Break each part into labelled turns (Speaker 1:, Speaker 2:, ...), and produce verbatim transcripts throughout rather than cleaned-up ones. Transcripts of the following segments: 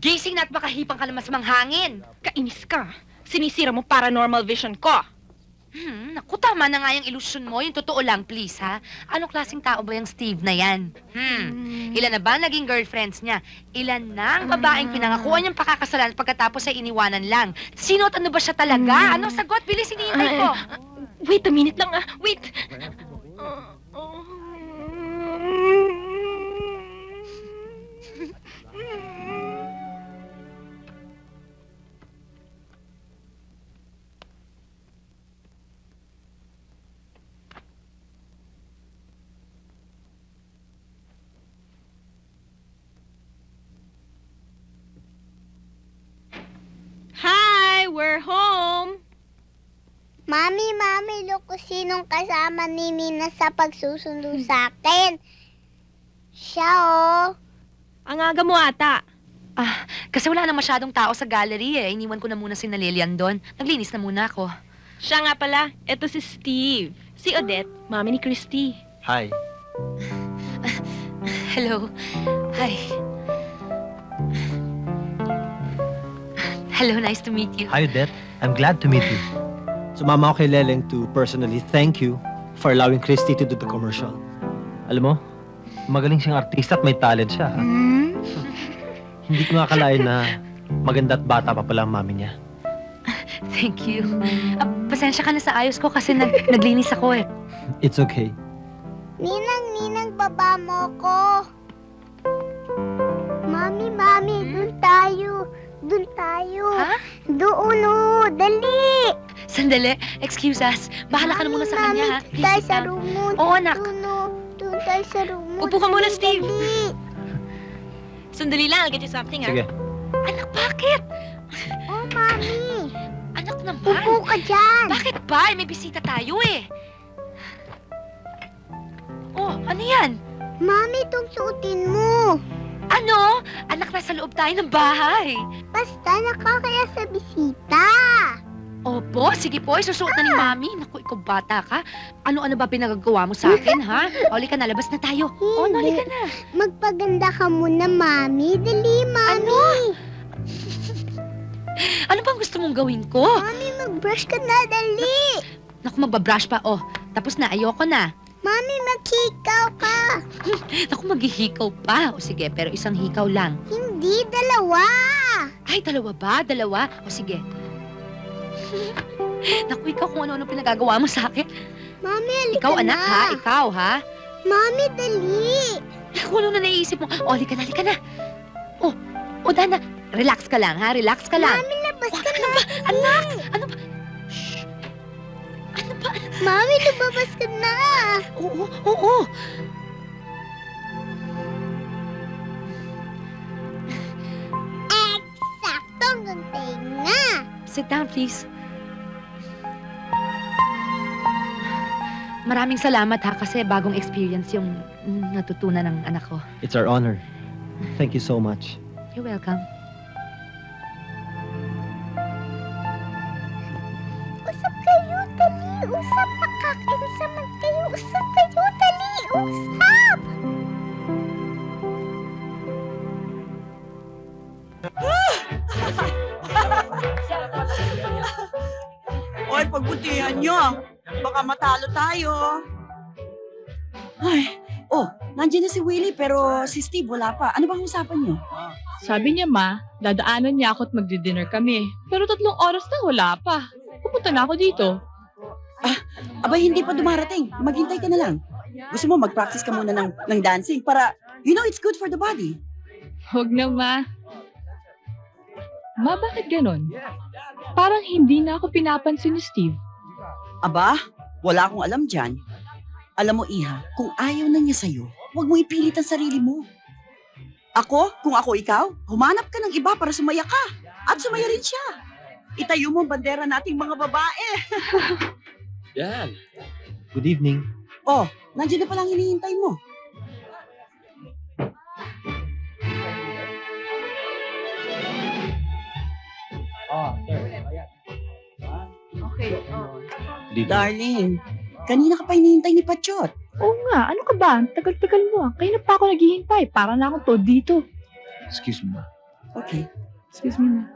Speaker 1: Gising na at makahipang ka ng masamang hangin.
Speaker 2: Kainis ka. Sinisira mo paranormal vision ko.
Speaker 1: Hmm, naku, tama na nga yung ilusyon mo. Yung totoo lang, please, ha? Anong klaseng tao ba yung Steve na yan? Hmm, ilan na ba naging girlfriends niya? Ilan na ang babaeng pinangakuan niyang pakakasalan at pagkatapos ay iniwanan lang? Sino at ano ba siya talaga? Anong sagot? Bilis, hinihintay ko.
Speaker 2: Wait a minute lang ah. Wait. Hi, we're home.
Speaker 3: Mami, Mami, look kung sinong kasama ni Nina sa pagsusundo sa akin. Siya, oh.
Speaker 2: Ang aga mo ata.
Speaker 1: Ah, kasi wala na masyadong tao sa gallery eh. Iniwan ko na muna si Lilian doon. Naglinis na muna ako.
Speaker 2: Siya nga pala, eto si Steve. Si Odette, mami ni Christy.
Speaker 4: Hi.
Speaker 1: Hello. Hi. Hello, nice to meet you.
Speaker 4: Hi, Odette. I'm glad to meet you. Sumama ako kay Leleng to personally thank you for allowing Christy to do the commercial. Alam mo, magaling siyang artista at may talent siya. Ha?
Speaker 1: Hmm?
Speaker 4: Hindi ko nga akalain na maganda at bata pa pala ang mami niya.
Speaker 1: Thank you. Ah, pasensya ka na sa ayos ko kasi nag naglinis ako eh.
Speaker 4: It's okay.
Speaker 3: Ninang, Ninang, baba mo ko. Mami, Mami, dun tayo. Dun tayo.
Speaker 1: Ha?
Speaker 3: Doon, oh. Dali.
Speaker 1: Sandali, excuse us. Bahala ka na muna sa
Speaker 3: Mami,
Speaker 1: kanya ha.
Speaker 3: Mami,
Speaker 1: Please
Speaker 3: tayo
Speaker 1: sit
Speaker 3: sa
Speaker 1: down.
Speaker 3: room mo.
Speaker 1: Oo, anak.
Speaker 3: Doon, oh. Doon tayo sa room mo.
Speaker 2: Upo ka muna,
Speaker 3: Dali,
Speaker 2: Steve.
Speaker 3: dali.
Speaker 2: Sandali lang, I'll get you something ah.
Speaker 4: Sige.
Speaker 1: Anak, bakit?
Speaker 3: Oh, Mami.
Speaker 1: Anak naman.
Speaker 3: Upo ka dyan.
Speaker 1: Bakit ba? Eh, may bisita tayo eh. Oh, ano yan?
Speaker 3: Mami, itong suotin mo.
Speaker 1: Ano? Anak, nasa loob tayo ng bahay.
Speaker 3: Basta nakakaya sa bisita.
Speaker 1: Opo, sige po, isusuot na ni Mami. Naku, ikaw bata ka. Ano-ano ba pinagagawa mo sa akin, ha? Oli ka na, labas na tayo. Oh, noli ka na.
Speaker 3: Magpaganda ka muna, Mami. Dali, Mami.
Speaker 1: Ano bang gusto mong gawin ko?
Speaker 3: Mami, mag-brush ka na. Dali.
Speaker 1: Naku, magbabrush pa. Oh, tapos na, ayoko na.
Speaker 3: Mami, maghikaw ka.
Speaker 1: Naku, maghihikaw pa. O sige, pero isang hikaw lang.
Speaker 3: Hindi, dalawa.
Speaker 1: Ay, dalawa ba? Dalawa? O sige. Naku, ikaw kung ano-ano pinagagawa mo sa akin.
Speaker 3: Mami, halika
Speaker 1: Ikaw,
Speaker 3: na.
Speaker 1: anak, ha? Ikaw, ha?
Speaker 3: Mami, dali.
Speaker 1: Naku, ano na naiisip mo? O, halika na, halika na. Oh, o, Dana, relax ka lang, ha? Relax ka lang.
Speaker 3: Mami, labas
Speaker 1: Oh,
Speaker 3: ka
Speaker 1: ano
Speaker 3: na.
Speaker 1: ba? Anak! Ano ba? Shh! Ano ba?
Speaker 3: Mami, lumabas ka na.
Speaker 1: Oo, oo.
Speaker 3: Eksakto ang tenga.
Speaker 1: Sit down, please. Maraming salamat ha kasi bagong experience yung mm, natutunan ng anak ko.
Speaker 4: It's our honor. Thank you so much.
Speaker 1: You're welcome.
Speaker 3: Usap kayo, dali. Usap, nakakaisaman kayo. Usap kayo, dali. Usap.
Speaker 5: Oy, pagbutihan nyo. Baka matalo tayo. Ay, oh, nandiyan na si Willie pero si Steve wala pa. Ano bang usapan nyo?
Speaker 6: Sabi niya, ma, dadaanan niya ako at magdi-dinner kami. Pero tatlong oras na wala pa. Pupunta na ako dito.
Speaker 5: Abay, hindi pa dumarating. Maghintay ka na lang. Gusto mo mag-practice ka muna ng, ng dancing para, you know, it's good for the body.
Speaker 6: Huwag na, ma. Ma, bakit ganon? Parang hindi na ako pinapansin ni Steve.
Speaker 5: Aba, wala akong alam dyan. Alam mo, Iha, kung ayaw na niya sa'yo, huwag mo ipilit ang sarili mo. Ako, kung ako ikaw, humanap ka ng iba para sumaya ka. At sumaya rin siya. Itayo mo ang bandera nating mga babae.
Speaker 4: Yan. Good evening.
Speaker 5: Oh, nandiyan na palang hinihintay mo.
Speaker 4: Oh, sir.
Speaker 2: Okay.
Speaker 4: Good evening.
Speaker 5: Darling, kanina ka pa hinihintay ni Pachot.
Speaker 6: Oo nga, ano ka ba? Ang tagal-tagal mo ah. Kaya na pa ako naghihintay. Para na akong to dito.
Speaker 4: Excuse me, ma.
Speaker 5: Okay.
Speaker 6: Excuse me na.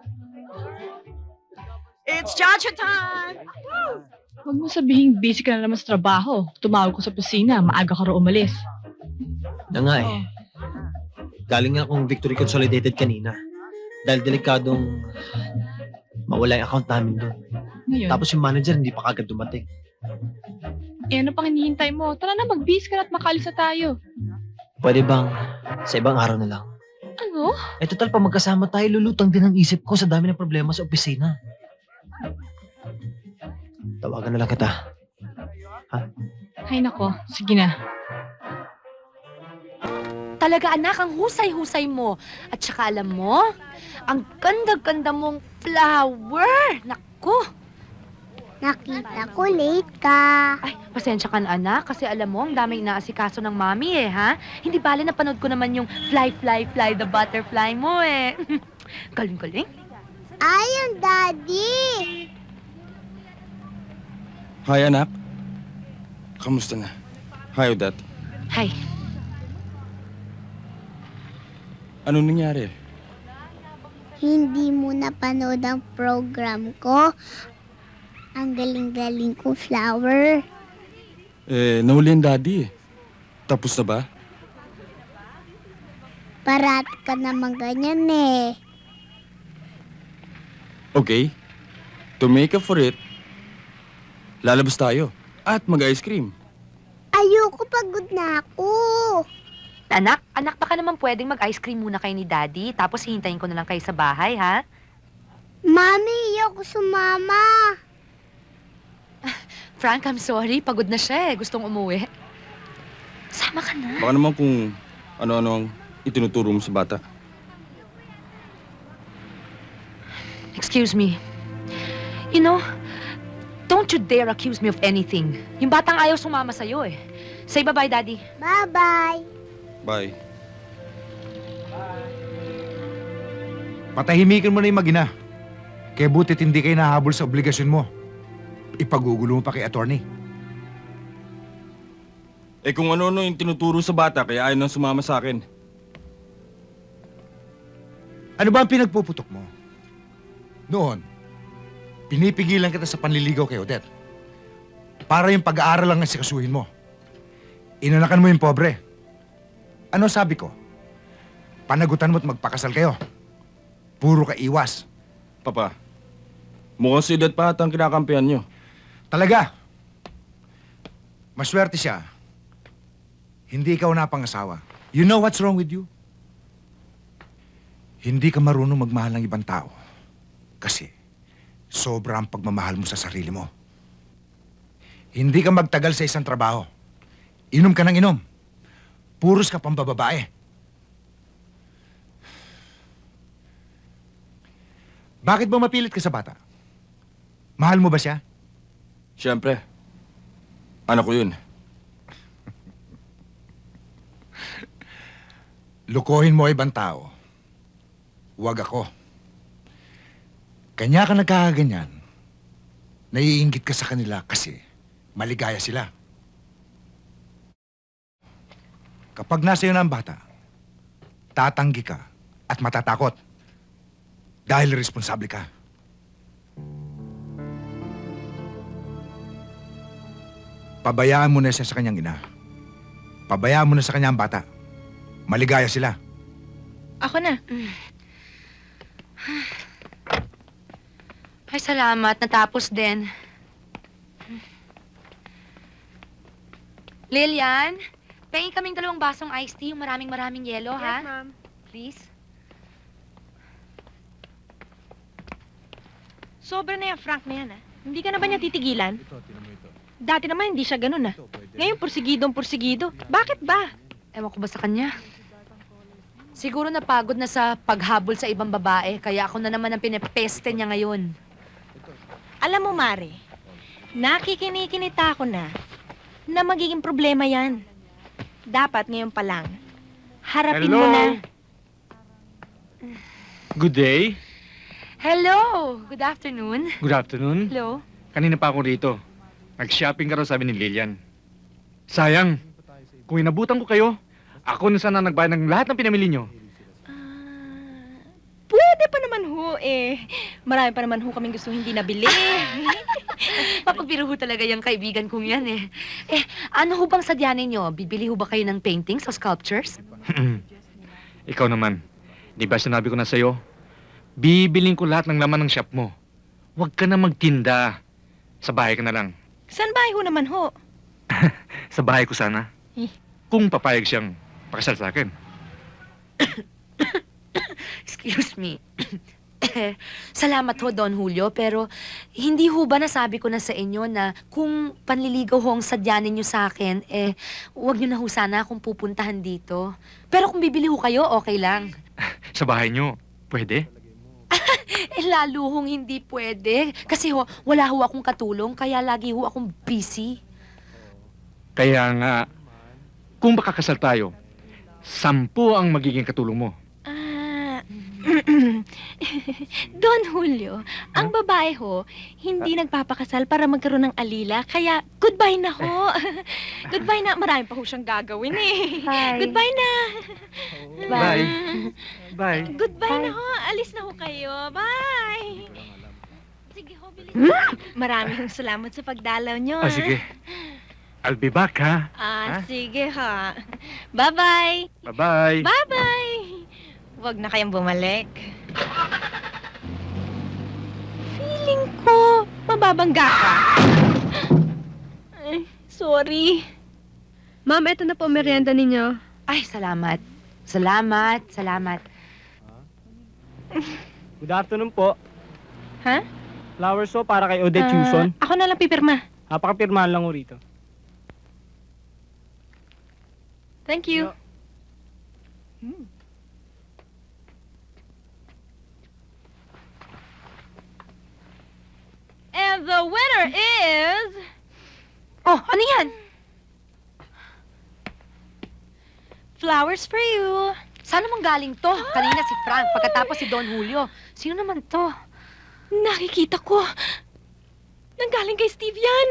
Speaker 5: It's cha-cha time!
Speaker 6: Huwag mo sabihin busy ka na naman sa trabaho. Tumawag ko sa opisina, maaga ka raw umalis.
Speaker 4: Na nga eh. Galing nga akong Victory Consolidated kanina. Dahil delikadong mawala yung account namin doon.
Speaker 6: Ngayon,
Speaker 4: Tapos yung manager hindi pa kagad dumating.
Speaker 6: eh ano pang hinihintay mo? Tara na, mag-busy ka na at makalis na tayo.
Speaker 4: Pwede bang sa ibang araw na lang?
Speaker 6: Ano?
Speaker 4: Eh total pa magkasama tayo, lulutang din ang isip ko sa dami ng problema sa opisina. Tawagan na lang kita.
Speaker 6: Ay nako, sige na.
Speaker 1: Talaga anak, ang husay-husay mo. At saka alam mo, ang ganda-ganda mong flower. Naku!
Speaker 3: Nakita ko late ka.
Speaker 1: Ay, pasensya ka na anak, kasi alam mo, ang daming inaasikaso ng mami eh, ha? Hindi bale napanood ko naman yung fly, fly, fly the butterfly mo eh. Galing-galing.
Speaker 3: Ayun, Daddy.
Speaker 7: Hi, anak. Kamusta na? Hi, Odette.
Speaker 1: Hi.
Speaker 7: Ano nangyari?
Speaker 3: Hindi mo napanood ang program ko. Ang galing-galing ko, flower.
Speaker 7: Eh, nahuli ang daddy eh. Tapos na ba?
Speaker 3: Parati ka naman ganyan eh.
Speaker 7: Okay. To make up for it, lalabas tayo. At mag-ice cream.
Speaker 3: Ayoko, pagod na ako.
Speaker 1: Anak, anak, baka naman pwedeng mag-ice cream muna kayo ni Daddy, tapos hihintayin ko na lang kayo sa bahay, ha?
Speaker 3: Mami, ayoko sumama.
Speaker 1: Frank, I'm sorry. Pagod na siya eh. Gustong umuwi. Sama ka na.
Speaker 7: Baka naman kung ano-ano ang itinuturo mo sa bata.
Speaker 1: Excuse me. You know, don't you dare accuse me of anything. Yung batang ayaw sumama sa'yo eh. Say bye-bye, Daddy.
Speaker 3: Bye-bye.
Speaker 7: Bye.
Speaker 8: Patahimikin mo na yung mag-ina. Kaya butit hindi kayo nahabol sa obligasyon mo. Ipagugulo mo pa kay attorney.
Speaker 7: Eh kung ano-ano yung tinuturo sa bata, kaya ayaw nang sumama sa akin.
Speaker 8: Ano ba ang pinagpuputok mo? Noon, pinipigilan kita sa panliligaw kay Odette. Para yung pag-aaral lang ang sikasuhin mo. Inanakan mo yung pobre. Ano sabi ko? Panagutan mo at magpakasal kayo. Puro ka iwas.
Speaker 7: Papa, mukhang si Odette pa ata ang kinakampihan nyo.
Speaker 8: Talaga. Maswerte siya. Hindi ikaw napangasawa. You know what's wrong with you? Hindi ka marunong magmahal ng ibang tao. Kasi sobra ang pagmamahal mo sa sarili mo. Hindi ka magtagal sa isang trabaho. Inom ka ng inom. Puros ka pang bababae. Bakit ba mapilit ka sa bata? Mahal mo ba siya?
Speaker 7: Siyempre, anak ko yun.
Speaker 8: Lukohin mo ibang tao. Huwag ako. Kanya ka nagkakaganyan. Naiinggit ka sa kanila kasi maligaya sila. Kapag nasa iyo na ang bata, tatanggi ka at matatakot. Dahil responsable ka. Pabayaan mo na siya sa kanyang ina. Pabayaan mo na sa kanyang bata. Maligaya sila.
Speaker 2: Ako na.
Speaker 1: Ay, salamat. Natapos din. Lilian, pahingin kaming dalawang basong iced tea, yung maraming maraming yelo, ha?
Speaker 2: ma'am.
Speaker 1: Please.
Speaker 2: Sobra na yan, Frank na yan, ah. Hindi ka na ba niya titigilan? Dati naman hindi siya ganun, ah. Ngayon, pursigidong pursigido. Bakit ba?
Speaker 1: Ewan ko ba sa kanya? Siguro napagod na sa paghabol sa ibang babae, kaya ako na naman ang pinepeste niya ngayon.
Speaker 2: Alam mo, Mare, nakikinikinita ko na na magiging problema yan. Dapat ngayon pa lang, harapin mo na.
Speaker 9: Good day.
Speaker 1: Hello! Good afternoon.
Speaker 9: Good afternoon.
Speaker 1: Hello.
Speaker 9: Kanina pa ako rito. Nag-shopping ka raw, sabi ni Lilian. Sayang. Kung inabutan ko kayo, ako na sana nagbayad ng lahat ng pinamili nyo.
Speaker 2: Ah, ho eh. Marami pa naman ho kaming gusto hindi nabili.
Speaker 1: Papagbiro ho talaga yung kaibigan kong yan eh. Eh, ano ho bang sadya ninyo? Bibili ho ba kayo ng paintings o sculptures?
Speaker 9: Ikaw naman, di ba sinabi ko na sa'yo? Bibiling ko lahat ng laman ng shop mo. Huwag ka na magtinda. Sa bahay ka na lang.
Speaker 2: Saan bahay ho naman ho?
Speaker 9: Sa bahay ko sana.
Speaker 2: Eh.
Speaker 9: Kung papayag siyang pakasal sa akin.
Speaker 1: Excuse me. Salamat ho, Don Julio, pero hindi ho ba nasabi ko na sa inyo na kung panliligaw ho ang sadya ninyo sa akin, eh, huwag niyo na ho sana akong pupuntahan dito. Pero kung bibili ho kayo, okay lang.
Speaker 9: Sa bahay niyo, pwede?
Speaker 1: Eh, lalo hong hindi pwede. Kasi ho, wala ho akong katulong, kaya lagi ho akong busy.
Speaker 9: Kaya nga, kung makakasal tayo, sampu ang magiging katulong mo.
Speaker 2: Ah, Don Julio, ang babae ho, hindi nagpapakasal para magkaroon ng alila, kaya goodbye na ho. Goodbye na, marami pa ho siyang gagawin eh.
Speaker 1: Bye.
Speaker 2: Goodbye na.
Speaker 9: Bye. Bye.
Speaker 2: Goodbye na ho, alis na ho kayo. Bye. Sige ho, bilis. Marami hong salamat sa pagdalaw nyo.
Speaker 9: Ah, sige. I'll be back, ha?
Speaker 2: Ah,
Speaker 9: Ha?
Speaker 2: sige ha. Bye-bye.
Speaker 9: Bye-bye.
Speaker 2: Bye-bye. Huwag na kayong bumalik. Feeling ko, mababangga ka. Ay, sorry.
Speaker 10: Ma'am, eto na po merienda ninyo.
Speaker 1: Ay, salamat. Salamat, salamat.
Speaker 4: Good afternoon po.
Speaker 2: Ha?
Speaker 4: Flowers po para kay Odette
Speaker 2: Ah,
Speaker 4: Chuson.
Speaker 2: ako na lang pipirma.
Speaker 4: Napakapirmahan lang ho rito.
Speaker 2: Thank you. And the winner is...
Speaker 1: Oh, ano yan?
Speaker 2: Flowers for you.
Speaker 1: Saan naman galing to? Kanina si Frank, pagkatapos si Don Julio. Sino naman to?
Speaker 2: Nakikita ko. Nanggaling kay Steve yan.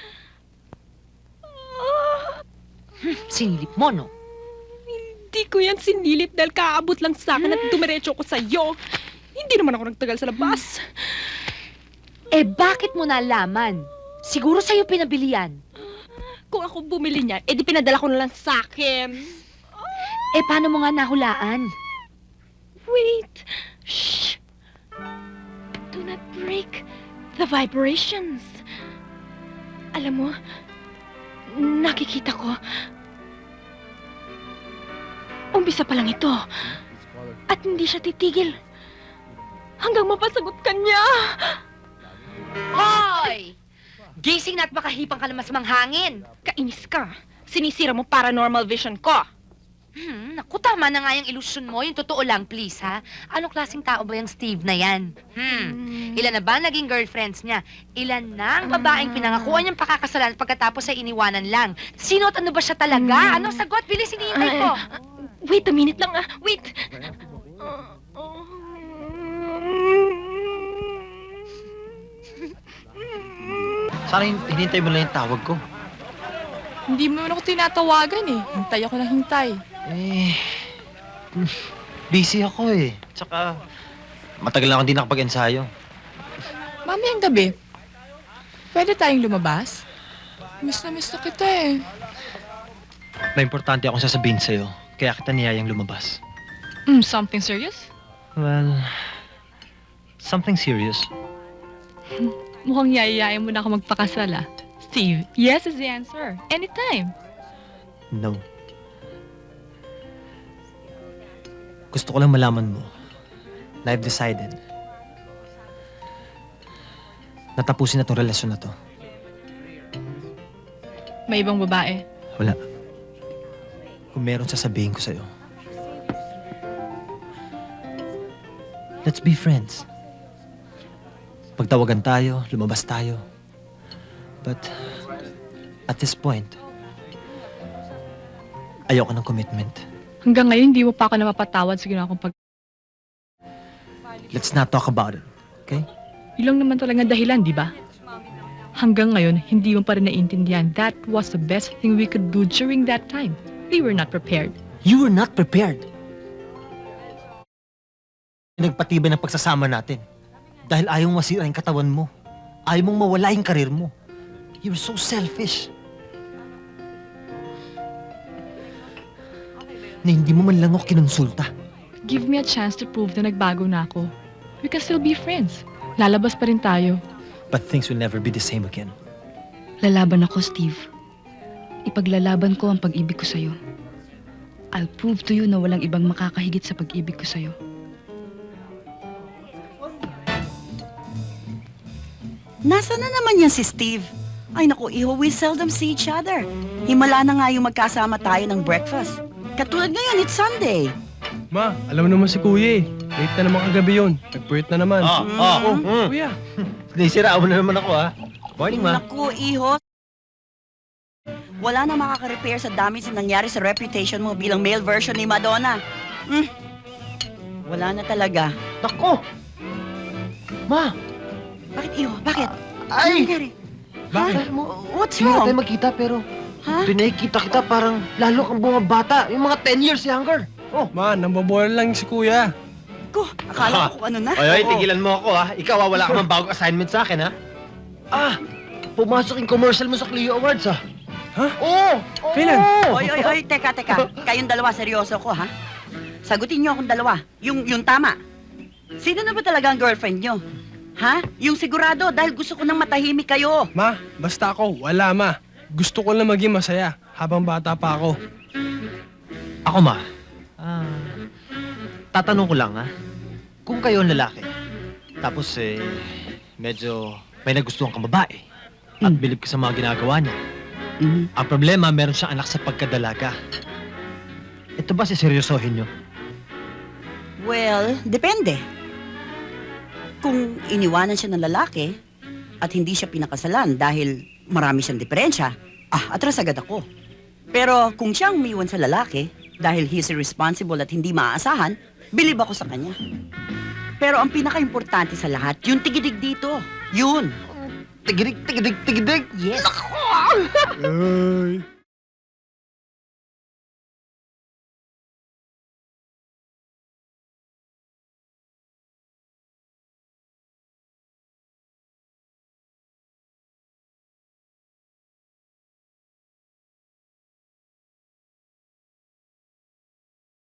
Speaker 2: Ah,
Speaker 1: Sinilip mo, no?
Speaker 2: hindi ko yan sinilip dahil kaabot lang sa akin at dumiretso ko sa'yo. Hindi naman ako nagtagal sa labas.
Speaker 1: Eh, bakit mo nalaman? Siguro sa'yo pinabili yan.
Speaker 2: Kung ako bumili niyan, edi pinadala ko na lang sa akin.
Speaker 1: Eh, paano mo nga nahulaan?
Speaker 2: Wait. Shh. Do not break the vibrations. Alam mo, nakikita ko. Umpisa pa lang ito. At hindi siya titigil. Hanggang mapasagot ka niya.
Speaker 1: Hoy! Gising na at makahipang ka naman sa manghangin.
Speaker 2: Kainis ka. Sinisira mo paranormal vision ko.
Speaker 1: Hmm, naku, tama na nga yung ilusyon mo. Yung totoo lang, please, ha? Anong klaseng tao ba yung Steve na yan? Hmm, ilan na ba naging girlfriends niya? Ilan na ang babaeng pinangakuan niyang pakakasalan pagkatapos ay iniwanan lang? Sino at ano ba siya talaga? Anong sagot? Bilis, hinihintay ko.
Speaker 2: Wait a minute lang ah. Wait.
Speaker 4: Sana hin- hinintay mo lang yung tawag ko.
Speaker 6: Hindi mo naman ako tinatawagan eh. Hintay ako ng hintay.
Speaker 4: Eh, mm, busy ako eh. Tsaka, matagal na akong di nakapag-ensayo.
Speaker 6: Mamayang gabi, pwede tayong lumabas? Miss na miss na kita eh.
Speaker 4: May importante akong sasabihin sa'yo, kaya kita niyayang lumabas.
Speaker 6: Mm, something serious?
Speaker 4: Well, something serious.
Speaker 6: Mukhang yayayain mo na ako magpakasal ah. Steve, yes is the answer. Anytime.
Speaker 4: No. Gusto ko lang malaman mo na I've decided na tapusin na tong relasyon na to.
Speaker 6: May ibang babae.
Speaker 4: Wala. Kung meron sasabihin ko sa'yo. Let's be friends. Pagtawagan tayo, lumabas tayo. But, at this point, ayoko ng commitment.
Speaker 6: Hanggang ngayon, hindi mo pa ako napapatawad sa ginawa kong pag...
Speaker 4: Let's not talk about it, okay?
Speaker 6: Yun lang naman talaga dahilan, di ba? Hanggang ngayon, hindi mo pa rin naiintindihan. That was the best thing we could do during that time. We were not prepared.
Speaker 4: You were not prepared. pinagpatibay ng pagsasama natin. Dahil ayaw mong masira yung katawan mo. Ayaw mong mawala yung karir mo. You're so selfish. Na hindi mo man lang ako kinonsulta.
Speaker 6: Give me a chance to prove na nagbago na ako. We can still be friends. Lalabas pa rin tayo.
Speaker 4: But things will never be the same again.
Speaker 11: Lalaban ako, Steve. Ipaglalaban ko ang pag-ibig ko sa'yo. I'll prove to you na walang ibang makakahigit sa pag-ibig ko sa'yo.
Speaker 5: Nasaan na naman yan si Steve? Ay naku, iho, we seldom see each other. Himala na nga yung magkasama tayo ng breakfast. Katulad ngayon, it's Sunday.
Speaker 12: Ma, alam mo naman si Kuya eh. Late na naman kagabi yun. Nag-puwit na naman.
Speaker 4: Ah, ah,
Speaker 12: Oh,
Speaker 4: mm.
Speaker 12: Kuya.
Speaker 4: Naisiraan mo na naman ako, ha? Morning, ma.
Speaker 5: Naku, iho. Wala na makaka-repair sa damage na nangyari sa reputation mo bilang male version ni Madonna. Hmm. Wala na talaga.
Speaker 4: Nako! Ma!
Speaker 5: Bakit, iho? Bakit? Ano
Speaker 4: Ay!
Speaker 5: nangyari?
Speaker 12: Bakit?
Speaker 5: What's
Speaker 4: Hindi na tayo
Speaker 5: wrong?
Speaker 4: magkita, pero
Speaker 5: Ha?
Speaker 4: tuwing nakikita kita parang lalo kang bumabata. Yung mga ten years younger. Oh.
Speaker 12: Ma, nambabola lang si Kuya.
Speaker 5: Ko, akala ko kung ano na.
Speaker 4: Ay, ay,
Speaker 5: Oo.
Speaker 4: tigilan mo ako, ha? Ikaw, ah, wala ka mang bagong assignment sa akin, ha? Ah! Pumasok yung commercial mo sa Clio Awards, ha?
Speaker 12: Ha?
Speaker 4: Oo! Oo!
Speaker 12: Kailan?
Speaker 5: Oy, oy, oy, teka, teka. Kayong dalawa, seryoso ko, ha? Sagutin niyo akong dalawa. Yung, yung tama. Sino na ba talaga ang girlfriend niyo? Ha? Yung sigurado, dahil gusto ko nang matahimik kayo.
Speaker 12: Ma, basta ako, wala ma. Gusto ko lang maging masaya habang bata pa ako.
Speaker 4: Ako, ma. Ah, tatanong ko lang, ha? Kung kayo ang lalaki, tapos, eh, medyo may nagustuhan kang babae, at
Speaker 5: Mm.
Speaker 4: bilib ka sa mga ginagawa niya.
Speaker 5: Mhm.
Speaker 4: Ang problema, meron siyang anak sa pagkadalaga. Ito ba siseryosohin niyo?
Speaker 5: Well, depende. Kung iniwanan siya ng lalaki at hindi siya pinakasalan dahil marami siyang diferensya, ah, atras agad ako. Pero kung siyang umiwan sa lalaki dahil he's irresponsible at hindi maaasahan, bilib ako sa kanya. Pero ang pinaka-importante sa lahat, yung tigidig dito. Yun.
Speaker 4: Tigidig, tigidig, tigidig!
Speaker 5: Yes.
Speaker 12: Ay.